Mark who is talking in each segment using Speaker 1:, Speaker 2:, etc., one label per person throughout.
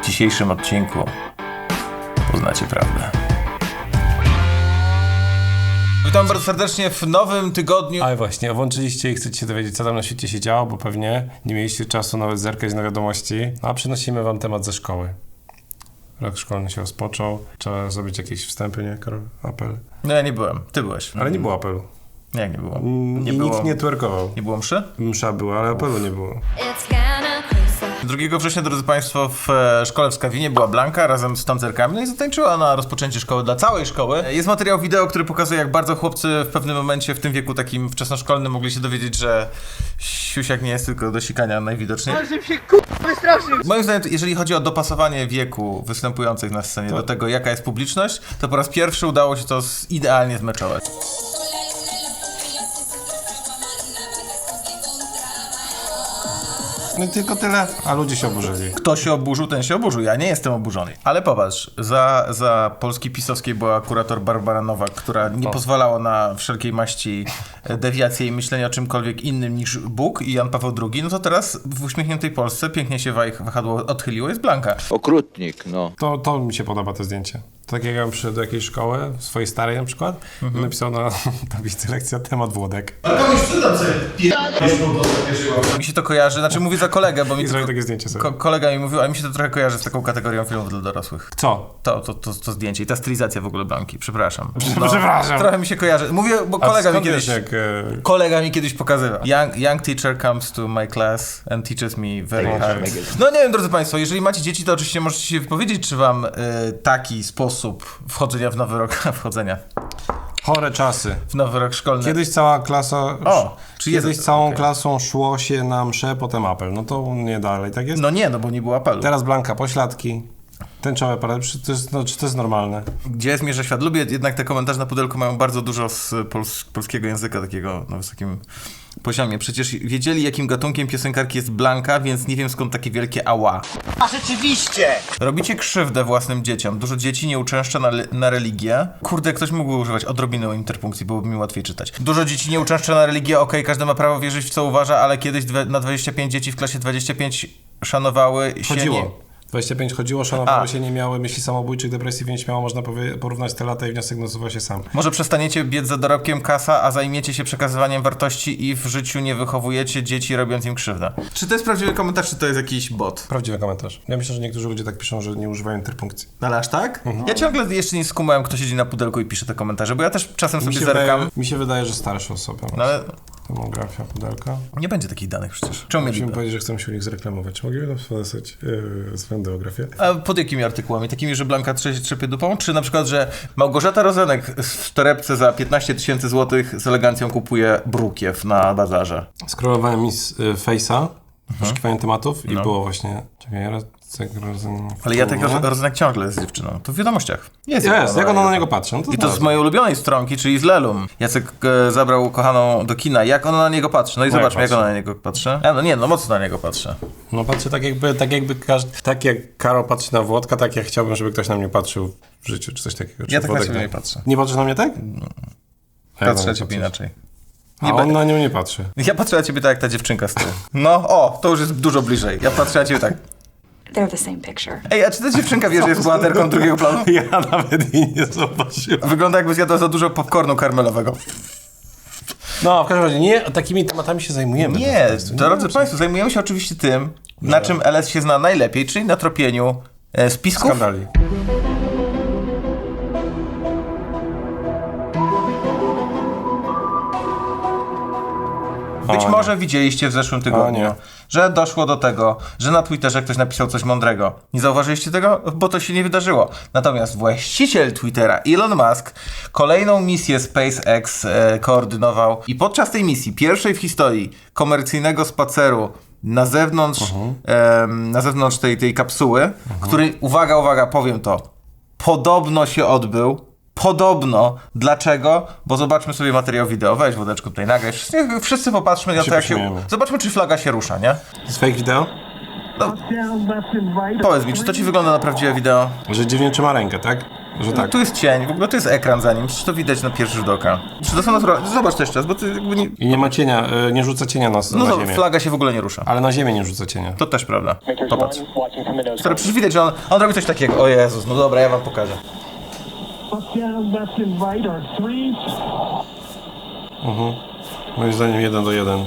Speaker 1: dzisiejszym odcinku poznacie prawdę. Witam bardzo serdecznie w nowym tygodniu.
Speaker 2: Ale właśnie, włączyliście i chcecie się dowiedzieć, co tam na świecie się działo, bo pewnie nie mieliście czasu nawet zerkać na wiadomości, a przynosimy wam temat ze szkoły. Rok szkolny się rozpoczął, trzeba zrobić jakieś wstępy, nie, Karol? Apel.
Speaker 1: No ja nie byłem, ty byłeś.
Speaker 2: Ale nie było apelu.
Speaker 1: Jak nie było?
Speaker 2: I nikt nie twerkował.
Speaker 1: Nie było mszy?
Speaker 2: Msza była, ale apelu nie było.
Speaker 1: 2 września, drodzy Państwo, w szkole w Skawinie była Blanka razem z tancerkami, no i zatańczyła na rozpoczęcie szkoły dla całej szkoły. Jest materiał wideo, który pokazuje, jak bardzo chłopcy w pewnym momencie w tym wieku takim wczesnoszkolnym mogli się dowiedzieć, że siusiak nie jest tylko do sikania najwidoczniej.
Speaker 3: Ale żebym się k***a wystraszył!
Speaker 1: Moim zdaniem, jeżeli chodzi o dopasowanie wieku występujących na scenie do tego, jaka jest publiczność, to po raz pierwszy udało się to idealnie zmeczować.
Speaker 2: No i tylko tyle, a ludzie się oburzyli.
Speaker 1: Kto się oburzył, ten się oburzył. Ja nie jestem oburzony. Ale popatrz, za Polski pisowskiej była kurator Barbara Nowak, która nie pozwalała na wszelkiej maści dewiacje i myślenie o czymkolwiek innym niż Bóg i Jan Paweł II. No to teraz w uśmiechniętej Polsce pięknie się wahadło odchyliło, jest Blanka.
Speaker 3: Okrutnik, no.
Speaker 2: To mi się podoba, to zdjęcie. Tak jak ja bym przyszedł do jakiejś szkoły, swojej starej na przykład, i napisał na tablicy lekcja temat Włodek.
Speaker 1: Ale komuś przydam sobie mi się to kojarzy, znaczy mówię za kolegę, bo mi
Speaker 2: I zrobił takie zdjęcie sobie.
Speaker 1: kolega mi mówił, ale mi się to trochę kojarzy z taką kategorią filmów dla dorosłych.
Speaker 2: Co?
Speaker 1: To zdjęcie i ta stylizacja w ogóle Blanki, przepraszam.
Speaker 2: Przepraszam.
Speaker 1: Trochę mi się kojarzy. Mówię, bo kolega mi kiedyś pokazywał. Young teacher comes to my class and teaches me very hard. No nie wiem, drodzy Państwo, jeżeli macie dzieci, to oczywiście możecie się wypowiedzieć, czy wam taki sposób wchodzenia w nowy rok,
Speaker 2: Chore czasy.
Speaker 1: w nowy rok szkolny.
Speaker 2: Kiedyś cała klasa... Kiedyś całą
Speaker 1: okej.
Speaker 2: klasą szło się na mszę, potem apel. No to nie dalej, tak jest?
Speaker 1: No nie, no bo nie było apelu.
Speaker 2: Teraz Blanka pośladki, tęczowe parady. Czy to jest normalne?
Speaker 1: Gdzie zmierza świat? Lubię jednak te komentarze na pudelku, mają bardzo dużo z polskiego języka takiego na wysokim poziomie. Przecież wiedzieli, jakim gatunkiem piosenkarki jest Blanka, więc nie wiem, skąd takie wielkie ała.
Speaker 3: A rzeczywiście!
Speaker 1: Robicie krzywdę własnym dzieciom. Dużo dzieci nie uczęszcza na religię. Kurde, ktoś mógłby używać odrobiny interpunkcji, byłoby mi łatwiej czytać. Dużo dzieci nie uczęszcza na religię, okej, każdy ma prawo wierzyć w co uważa, ale kiedyś na 25 dzieci w klasie 25 szanowały się
Speaker 2: Chodziło.
Speaker 1: nie...
Speaker 2: 25 chodziło, szanowało się, nie miały myśli samobójczych, depresji, więc śmiało można porównać te lata i wniosek nasuwa się sam.
Speaker 1: Może przestaniecie biec za dorobkiem kasa, a zajmiecie się przekazywaniem wartości i w życiu nie wychowujecie dzieci, robiąc im krzywdę. Czy to jest prawdziwy komentarz, czy to jest jakiś bot?
Speaker 2: Prawdziwy komentarz. Ja myślę, że niektórzy ludzie tak piszą, że nie używają interpunkcji.
Speaker 1: Ale aż tak? Ja ciągle jeszcze nie skumałem, kto siedzi na pudelku i pisze te komentarze, bo ja też czasem sobie zerkam.
Speaker 2: Mi się wydaje, że starsze osoby.
Speaker 1: No ale
Speaker 2: Demografia, pudelka.
Speaker 1: nie będzie takich danych przecież. Czemu
Speaker 2: Musimy
Speaker 1: mieliby?
Speaker 2: powiedzieć, że chcemy się u nich zreklamować. Czy mogliby nam wysłać swoją demografię?
Speaker 1: A pod jakimi artykułami? Takimi, że Blanka trzepie dupą? Czy na przykład, że Małgorzata Rozenek w torebce za 15 000 złotych z elegancją kupuje brukiew na bazarze?
Speaker 2: Skrolowałem mi z Face'a, poszukiwałem tematów i było właśnie... Czekaj,
Speaker 1: Ale ja tak Rozenek ciągle jest z dziewczyną. To w wiadomościach. Jest,
Speaker 2: jak ona na niego patrzy. No to
Speaker 1: I to z mojej ulubionej stronki, czyli z Lelum. Jacek zabrał kochaną do kina. Jak ona na niego patrzy? No i zobaczmy, jak ona na niego patrzy. Mocno na niego patrzę.
Speaker 2: No patrzę tak jak Karol patrzy na Włodka, tak jak chciałbym, żeby ktoś na mnie patrzył w życiu, czy coś takiego.
Speaker 1: Ja tak na ciebie nie patrzę.
Speaker 2: Nie patrzysz na mnie tak?
Speaker 1: Patrzę na ciebie inaczej.
Speaker 2: A on na nią nie patrzy.
Speaker 1: Ja patrzę na ciebie tak, jak ta dziewczynka z tyłu. No, to już jest dużo bliżej. Ja patrzę na ciebie tak.
Speaker 4: They're the same picture.
Speaker 1: Ej, a czy ta dziewczynka wie, że jest bohaterką drugiego planu?
Speaker 2: Ja nawet jej nie zobaczyłem.
Speaker 1: Wygląda, jakby zjadła za dużo popcornu karmelowego.
Speaker 2: No, w każdym razie nie takimi tematami się zajmujemy.
Speaker 1: Nie, drodzy Państwo, zajmujemy się oczywiście tym, na czym LS się zna najlepiej, czyli na tropieniu spisków.
Speaker 2: Skandali.
Speaker 1: Być może widzieliście w zeszłym tygodniu, że doszło do tego, że na Twitterze ktoś napisał coś mądrego. Nie zauważyliście tego? Bo to się nie wydarzyło. Natomiast właściciel Twittera, Elon Musk, kolejną misję SpaceX koordynował i podczas tej misji, pierwszej w historii komercyjnego spaceru na zewnątrz tej kapsuły, który, uwaga, powiem to, podobno się odbył. Podobno. Dlaczego? Bo zobaczmy sobie materiał wideo. Weź Wodeczku tutaj nagraj. Wszyscy popatrzmy na to, jak się... Zobaczmy, czy flaga się rusza, nie?
Speaker 2: To jest fake wideo?
Speaker 1: No. Powiedz mi, czy to ci wygląda na prawdziwe wideo?
Speaker 2: Że dziwnie trzyma rękę, tak? Że tak.
Speaker 1: Tu jest cień, w ogóle to jest ekran za nim, przecież to widać na pierwszy rzut oka. Czy to są naturalne? Zobacz to jeszcze raz, bo ty jakby nie...
Speaker 2: I nie ma cienia, nie rzuca cienia na
Speaker 1: No to
Speaker 2: ziemię.
Speaker 1: flaga się w ogóle nie rusza.
Speaker 2: Ale na ziemię nie rzuca cienia.
Speaker 1: To też prawda. Popatrz. Stary, przecież widać, że on robi coś takiego. O Jezus, no dobra, ja wam pokażę.
Speaker 2: Moim zdaniem 1-1.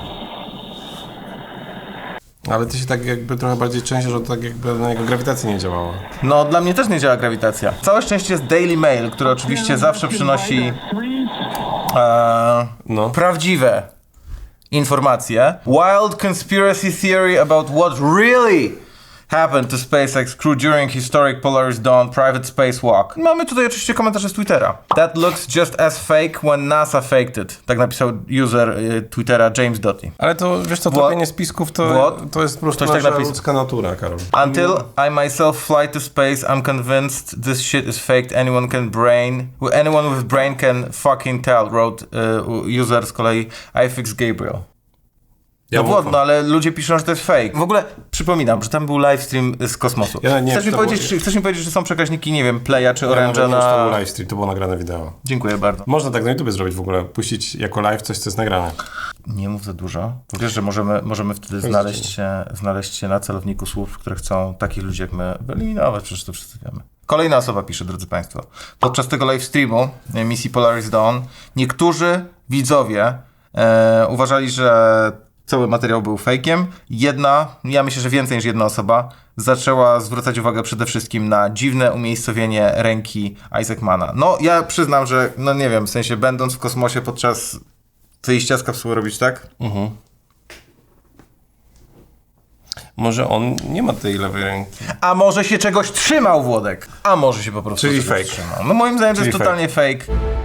Speaker 2: Ale ty się tak jakby trochę bardziej częściej, że to tak jakby na jego grawitacji nie działało.
Speaker 1: No, dla mnie też nie działa grawitacja. Całe szczęście jest Daily Mail, który oczywiście zawsze przynosi
Speaker 2: No.
Speaker 1: prawdziwe informacje. Wild conspiracy theory about what really happened to SpaceX crew during historic Polaris Dawn private spacewalk. Mamy tutaj oczywiście komentarze z Twittera. That looks just as fake when NASA faked it. Tak napisał user Twittera James Doty.
Speaker 2: Ale to, wiesz co,
Speaker 1: What?
Speaker 2: tropienie spisków to jest po prostu
Speaker 1: Ktoś tak
Speaker 2: nasza
Speaker 1: napisał.
Speaker 2: ludzka natura, Karol.
Speaker 1: Until I myself fly to space, I'm convinced this shit is faked. Anyone with brain can fucking tell, wrote user z kolei iFix Gabriel.
Speaker 2: Ja
Speaker 1: No
Speaker 2: ufam.
Speaker 1: wodno, ale ludzie piszą, że to jest fake. W ogóle przypominam, że tam był livestream z kosmosu.
Speaker 2: Ja nie
Speaker 1: chcesz,
Speaker 2: wiem,
Speaker 1: chcesz mi powiedzieć, że są przekaźniki, nie wiem, Playa czy
Speaker 2: Ja
Speaker 1: Orange'a
Speaker 2: nawet nie wiem, czy to
Speaker 1: na...
Speaker 2: był livestream, to było nagrane wideo.
Speaker 1: Dziękuję bardzo.
Speaker 2: Można tak na YouTube zrobić w ogóle, puścić jako live coś, co jest nagrane.
Speaker 1: Nie mów za dużo. Bo wiesz, że możemy wtedy znaleźć się na celowniku słów, które chcą takich ludzi jak my wyeliminować, przecież to wszyscy wiemy. Kolejna osoba pisze, drodzy Państwo. Podczas tego live streamu misji Polaris Dawn niektórzy widzowie uważali, że cały materiał był fejkiem. Ja myślę, że więcej niż jedna osoba zaczęła zwracać uwagę przede wszystkim na dziwne umiejscowienie ręki Isaacmana. No, ja przyznam, że, no nie wiem, w sensie będąc w kosmosie podczas wyjścia z kapsuły robić tak?
Speaker 2: Może on nie ma tej lewej ręki.
Speaker 1: A może się czegoś trzymał, Włodek? A może się po prostu
Speaker 2: Czyli
Speaker 1: czegoś
Speaker 2: fake.
Speaker 1: trzymał. No moim zdaniem to jest
Speaker 2: Czyli
Speaker 1: totalnie fake.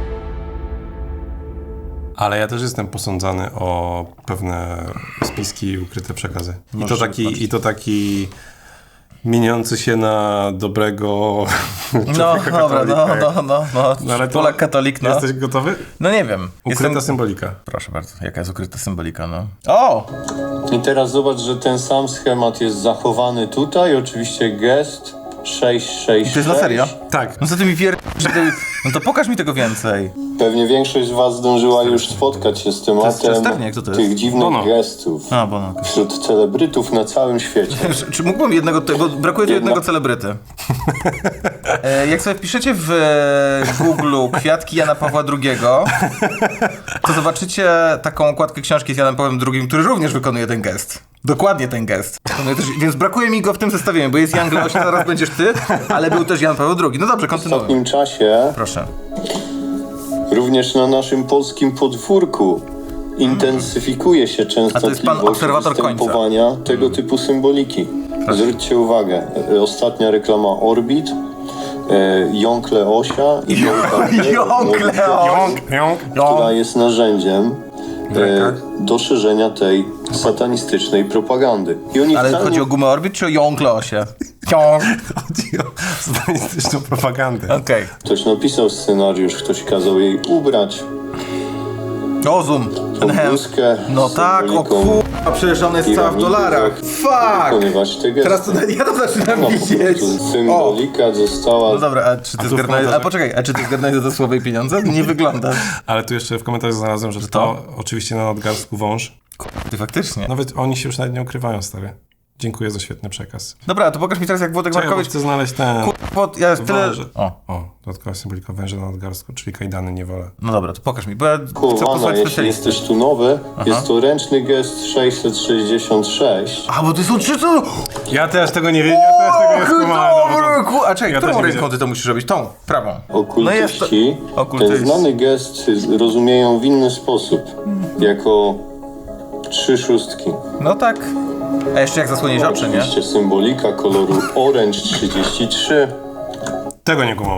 Speaker 2: Ale ja też jestem posądzany o pewne spiski i ukryte przekazy. I to taki mieniący się na dobrego
Speaker 1: No,
Speaker 2: człowieka
Speaker 1: dobra,
Speaker 2: katolika.
Speaker 1: no.
Speaker 2: Ale to-
Speaker 1: Polak katolik, no.
Speaker 2: Jesteś gotowy?
Speaker 1: No nie wiem.
Speaker 2: Ukryta symbolika.
Speaker 1: Proszę bardzo, jaka jest ukryta symbolika, no. O!
Speaker 5: I teraz zobacz, że ten sam schemat jest zachowany tutaj. Oczywiście gest 666.
Speaker 1: To jest na serio?
Speaker 2: Tak.
Speaker 1: No co ty mi No to pokaż mi tego więcej.
Speaker 5: Pewnie większość z was zdążyła już spotkać się z tematem
Speaker 1: Czersternie, kto to jest?
Speaker 5: tych dziwnych
Speaker 2: Bono.
Speaker 5: gestów
Speaker 1: A, Bono.
Speaker 5: wśród celebrytów na całym świecie.
Speaker 1: Czy mógłbym jednego, bo brakuje tu jednego celebryty. Jak sobie wpiszecie w Google kwiatki Jana Pawła II, to zobaczycie taką okładkę książki z Janem Pawłem II, który również wykonuje ten gest. Dokładnie ten gest. Więc brakuje mi go w tym zestawieniu, bo jest Jan Gloś, zaraz będziesz ty, ale był też Jan Paweł II. No dobrze,
Speaker 5: W
Speaker 1: kontynuuj.
Speaker 5: ostatnim czasie
Speaker 1: Proszę.
Speaker 5: również na naszym polskim podwórku intensyfikuje się
Speaker 1: A to jest pan
Speaker 5: częstotliwość
Speaker 1: obserwator końca.
Speaker 5: występowania tego typu symboliki. Zwróćcie uwagę, ostatnia reklama Orbit, Jąkle Osia i
Speaker 1: Jąkle
Speaker 5: która jest narzędziem do szerzenia tej satanistycznej propagandy. I oni
Speaker 1: Ale
Speaker 5: wcale
Speaker 1: chodzi o gumę Orbit czy o Jąkle Osie? Jąk.
Speaker 2: Chodzi o satanistyczną propagandę.
Speaker 1: Okej.
Speaker 5: Ktoś napisał scenariusz, ktoś kazał jej ubrać
Speaker 1: Rozum.
Speaker 5: tą bluzkę
Speaker 1: No
Speaker 5: z
Speaker 1: tak, o
Speaker 5: symboliką
Speaker 1: kurwa, przecież on jest cała w
Speaker 5: piramidy,
Speaker 1: dolarach. Fuck!
Speaker 5: wykonywać te gesty.
Speaker 1: Teraz to ja to zaczynam
Speaker 5: No, po
Speaker 1: widzieć.
Speaker 5: prostu
Speaker 1: O!
Speaker 5: symbolika została
Speaker 1: No dobra, a czy ty
Speaker 2: tu w
Speaker 1: zgarnąłeś...
Speaker 2: komentarzach-
Speaker 1: A poczekaj, a czy ty zgarnąłeś za to słowo i pieniądze? Nie wygląda.
Speaker 2: Ale tu jeszcze w komentarzach znalazłem, że to oczywiście na nadgarstku wąż.
Speaker 1: Ty faktycznie.
Speaker 2: Nawet oni się już nawet nie ukrywają, stary. Dziękuję za świetny przekaz.
Speaker 1: Dobra, to pokaż mi teraz, jak Włodek
Speaker 2: Czekaj, bo
Speaker 1: Markowicz...
Speaker 2: chcę znaleźć ten...
Speaker 1: Ja tyle...
Speaker 2: Wąże.
Speaker 1: O,
Speaker 2: Dodatkowa symbolika węża na nadgarstku, czyli kajdany niewolę.
Speaker 1: no dobra, to pokaż mi, bo ja chcę
Speaker 5: kowana.
Speaker 1: posłać
Speaker 5: Jeśli
Speaker 1: specjalistę.
Speaker 5: jesteś tu nowy, jest to ręczny gest 666.
Speaker 1: A, bo ty są trzy co...
Speaker 2: Ja też tego nie wiem, ja też tego nie skumałem.
Speaker 1: A czekaj,
Speaker 2: Ja
Speaker 1: którą
Speaker 2: też nie
Speaker 1: ręką ty to musisz robić? Tą, prawą.
Speaker 5: Okultyści
Speaker 1: Okultyści.
Speaker 5: ten znany gest rozumieją w inny sposób. Jako 3 szóstki.
Speaker 1: No tak. A jeszcze jak zasłoniesz oczy, nie?
Speaker 5: Oczywiście symbolika koloru Orange 33.
Speaker 2: Tego nie kumam.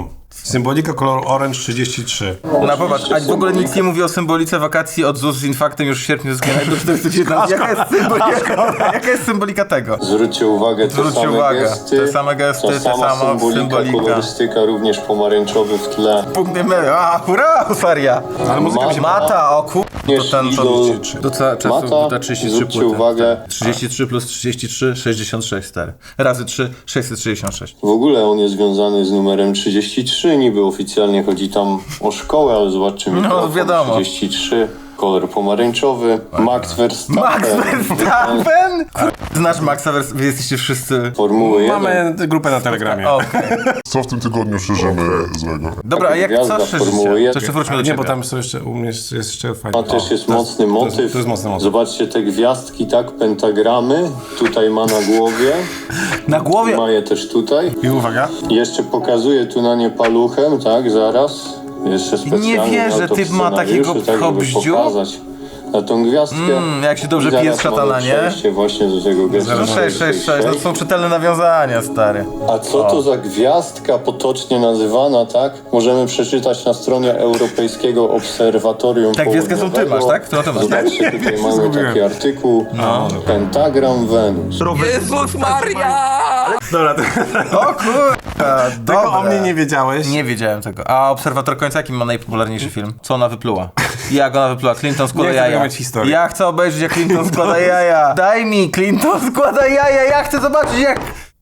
Speaker 2: Symbolika koloru orange 33.
Speaker 1: No popatrz, a w ogóle nic nie mówi o symbolice wakacji od ZUS z infaktem już w sierpniu z do 419. Jaka jest symbolika tego?
Speaker 5: Zwróćcie uwagę,
Speaker 1: Zwróćcie uwagę, te same gesty,
Speaker 5: ta
Speaker 1: te
Speaker 5: sama
Speaker 1: sama symbolika.
Speaker 5: kolorystyka, również pomarańczowy w tle.
Speaker 1: Punkty my, a hurra, seria!
Speaker 2: Ale muzyka mi się podoba.
Speaker 1: Mata, o kur...
Speaker 5: Również
Speaker 1: To ten,
Speaker 5: idol
Speaker 1: do czasu
Speaker 5: Mata,
Speaker 1: ta 33
Speaker 5: zwróćcie
Speaker 1: płyty.
Speaker 5: uwagę.
Speaker 1: 33 plus 33, 66, stary. Razy 3, 666.
Speaker 5: W ogóle on jest związany z numerem 33, niby oficjalnie chodzi tam o szkołę, ale zobaczcie, mikrofon
Speaker 1: wiadomo.
Speaker 5: 33, kolor pomarańczowy, Max Verstappen.
Speaker 1: Max Verstappen? Znasz Maxa Verstappen? Wy jesteście wszyscy...
Speaker 5: Formuły 1.
Speaker 2: Mamy grupę na Telegramie.
Speaker 1: Okej.
Speaker 6: Co w tym tygodniu szerzymy złego?
Speaker 1: Dobra, a jak
Speaker 5: Gwiazda
Speaker 1: co
Speaker 5: Formuły
Speaker 1: szerzycie? To
Speaker 5: 1.
Speaker 1: jeszcze wróćmy do
Speaker 2: Nie,
Speaker 1: ciebie.
Speaker 2: bo tam są jeszcze, u mnie jest jeszcze fajnie.
Speaker 5: To też jest
Speaker 2: O,
Speaker 5: mocny motyw.
Speaker 2: To jest mocny motyw.
Speaker 5: Zobaczcie te gwiazdki, tak? Pentagramy. Tutaj ma na głowie.
Speaker 1: Na głowie...
Speaker 5: Ma je też tutaj.
Speaker 2: I uwaga.
Speaker 5: Jeszcze pokazuje tu na nie paluchem, tak? Zaraz. Jeszcze specjalnie
Speaker 1: Nie wierzę,
Speaker 5: miał to w
Speaker 1: typ ma takiego
Speaker 5: scenariuszu, tak, żeby
Speaker 1: hobździu?
Speaker 5: pokazać na tą gwiazdkę.
Speaker 1: jak się dobrze
Speaker 5: I zaraz
Speaker 1: pije z szatana,
Speaker 5: mamy
Speaker 1: nie?
Speaker 5: przejście właśnie do tego gestu.
Speaker 1: No 666, no to są czytelne nawiązania, stary.
Speaker 5: A co to za gwiazdka potocznie nazywana, tak? Możemy przeczytać na stronie Europejskiego Obserwatorium
Speaker 1: Tak, gwiazdkę są ty
Speaker 5: Południowego.
Speaker 1: masz, tak? To na to masz, tak?
Speaker 5: Zobaczcie, tutaj mamy taki artykuł. Pentagram Wenus.
Speaker 3: Jezus Maria!
Speaker 2: Dobra,
Speaker 1: O kurwa,
Speaker 2: tego o
Speaker 1: dobra.
Speaker 2: mnie nie wiedziałeś.
Speaker 1: Nie wiedziałem tego. A Obserwator Końca, jaki ma najpopularniejszy film? Co ona wypluła? Jak ona wypluła? Clinton składa
Speaker 2: Nie chcę
Speaker 1: jaja.
Speaker 2: mieć historii.
Speaker 1: Ja chcę obejrzeć, jak Clinton składa jaja. Daj mi, Clinton składa jaja. Ja chcę zobaczyć, jak...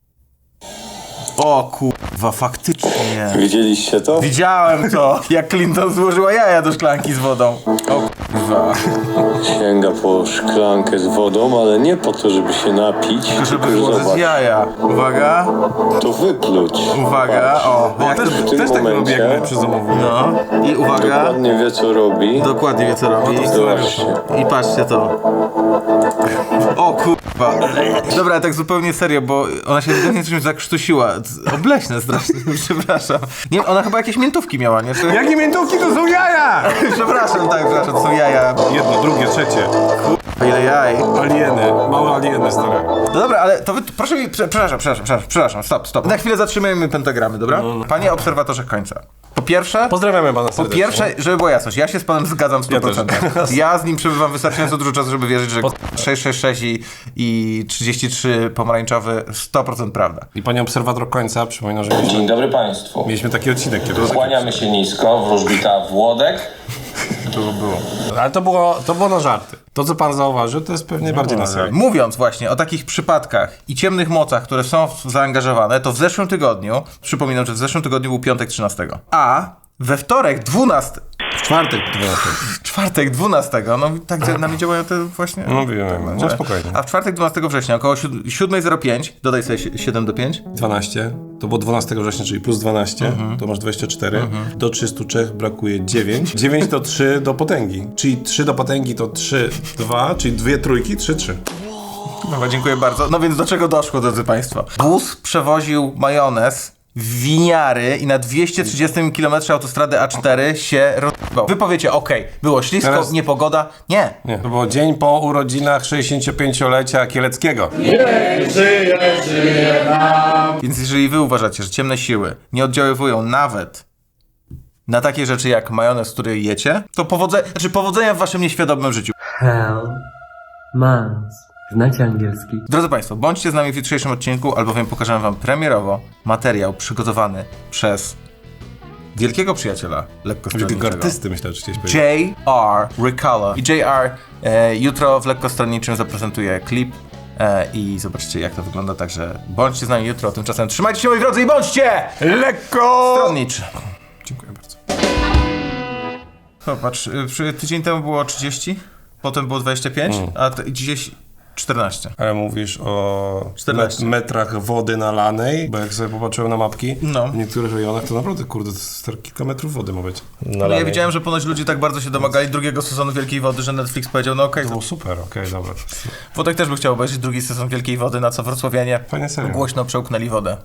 Speaker 1: O kurwa, faktycznie.
Speaker 5: Widzieliście to?
Speaker 1: Widziałem to, jak Clinton złożyła jaja do szklanki z wodą. O kurwa.
Speaker 5: Sięga po szklankę z wodą, ale nie po to, żeby się napić,
Speaker 1: Żeby
Speaker 5: tylko
Speaker 1: złożyć
Speaker 5: zobacz,
Speaker 1: jaja. Uwaga,
Speaker 5: to wypluć.
Speaker 1: uwaga, o.
Speaker 2: O,
Speaker 1: Jak to...
Speaker 2: też,
Speaker 5: w tym
Speaker 2: też tak
Speaker 5: momencie-
Speaker 2: robię, jak przy zamówieniu.
Speaker 1: No. I uwaga.
Speaker 5: Dokładnie wie, co robi.
Speaker 1: Dokładnie wie, co robi.
Speaker 5: Zobaczcie.
Speaker 1: I patrzcie to. O kurwa. Dobra, tak zupełnie serio, bo ona się ewidentnie czymś zakrztusiła. Obleśne strasznie, przepraszam. Nie, ona chyba jakieś miętówki miała, nie? Czy...
Speaker 2: Jakie miętówki to są jaja!
Speaker 1: Przepraszam, tak, przepraszam, to są jaja.
Speaker 2: Jedno, drugie, trzecie.
Speaker 1: Ile jaj.
Speaker 2: Alieny, małe alieny stare.
Speaker 1: No dobra, ale to wy, proszę mi, przepraszam, stop. Na chwilę zatrzymajmy pentagramy, dobra? Panie obserwatorze końca. Po pierwsze...
Speaker 2: Pozdrawiamy pana
Speaker 1: Po
Speaker 2: serdecznie.
Speaker 1: pierwsze, żeby była jasność, ja się z panem zgadzam w 100%. Ja z nim przebywam wystarczająco dużo czasu, żeby wierzyć, że 666 i 33 pomarańczowy 100% prawda.
Speaker 2: I panie obserwator końca, przypominam, że
Speaker 7: Dzień dobry Państwu.
Speaker 2: mieliśmy taki odcinek kiedyś.
Speaker 7: Kłaniamy się nisko, wróżbita Włodek.
Speaker 2: Ale to było na żarty. To, co pan zauważył, to jest pewnie bardziej na serio.
Speaker 1: Mówiąc właśnie o takich przypadkach i ciemnych mocach, które są zaangażowane, to w zeszłym tygodniu, przypominam, że w zeszłym tygodniu był piątek 13, a we wtorek 12...
Speaker 2: Czwartek 12.
Speaker 1: Czwartek 12, no tak na mnie działają te właśnie...
Speaker 2: No wiem, no spokojnie.
Speaker 1: A w czwartek 12 września około 7:05, dodaj sobie 7 do 5.
Speaker 2: 12, to było 12 września, czyli plus 12, to masz 24. Do 303 brakuje 9. 9 to 3 do potęgi. Czyli 3 do potęgi to 3, 2, czyli 2 trójki, 3, 3.
Speaker 1: Dobra, dziękuję bardzo. No więc do czego doszło, drodzy państwo? Bus przewoził majonez w winiary i na 230 km autostrady A4 się rozbał. Wy powiecie, okej, było ślisko,
Speaker 2: Teraz-
Speaker 1: niepogoda. Nie.
Speaker 2: Nie, to było dzień po urodzinach 65-lecia Kieleckiego.
Speaker 1: Więc jeżeli wy uważacie, że ciemne siły nie oddziaływują nawet na takie rzeczy jak majonez, który jecie, to powodzenia w waszym nieświadomym życiu.
Speaker 8: Hell, Mars. Znacie angielski?
Speaker 1: Drodzy Państwo, bądźcie z nami w jutrzejszym odcinku, albowiem pokażemy Wam premierowo materiał przygotowany przez wielkiego przyjaciela lekkostronniczego.
Speaker 2: Wielkiego artysty, myślę, że chciałeś powiedzieć.
Speaker 1: J.R. Ricala. I J.R. Jutro w lekkostronniczym zaprezentuje klip i zobaczcie, jak to wygląda, także bądźcie z nami jutro, tymczasem trzymajcie się, moi drodzy, i bądźcie lekkostronniczy.
Speaker 2: Dziękuję bardzo.
Speaker 1: Popatrz, tydzień temu było 30, potem było 25, a dzisiaj 14.
Speaker 2: Ale mówisz o
Speaker 1: 14.
Speaker 2: metrach wody nalanej, bo jak sobie popatrzyłem na mapki,
Speaker 1: No.
Speaker 2: w niektórych rejonach to naprawdę, kurde, to jest kilka metrów wody ma być.
Speaker 1: No ja widziałem, że ponoć ludzie tak bardzo się domagali drugiego sezonu Wielkiej Wody, że Netflix powiedział, no okej,
Speaker 2: To było super, okej, dobra.
Speaker 1: Wodek też by chciał obejrzeć drugi sezon Wielkiej Wody, na co wrocławianie
Speaker 2: Fajnie serio.
Speaker 1: głośno przełknęli wodę.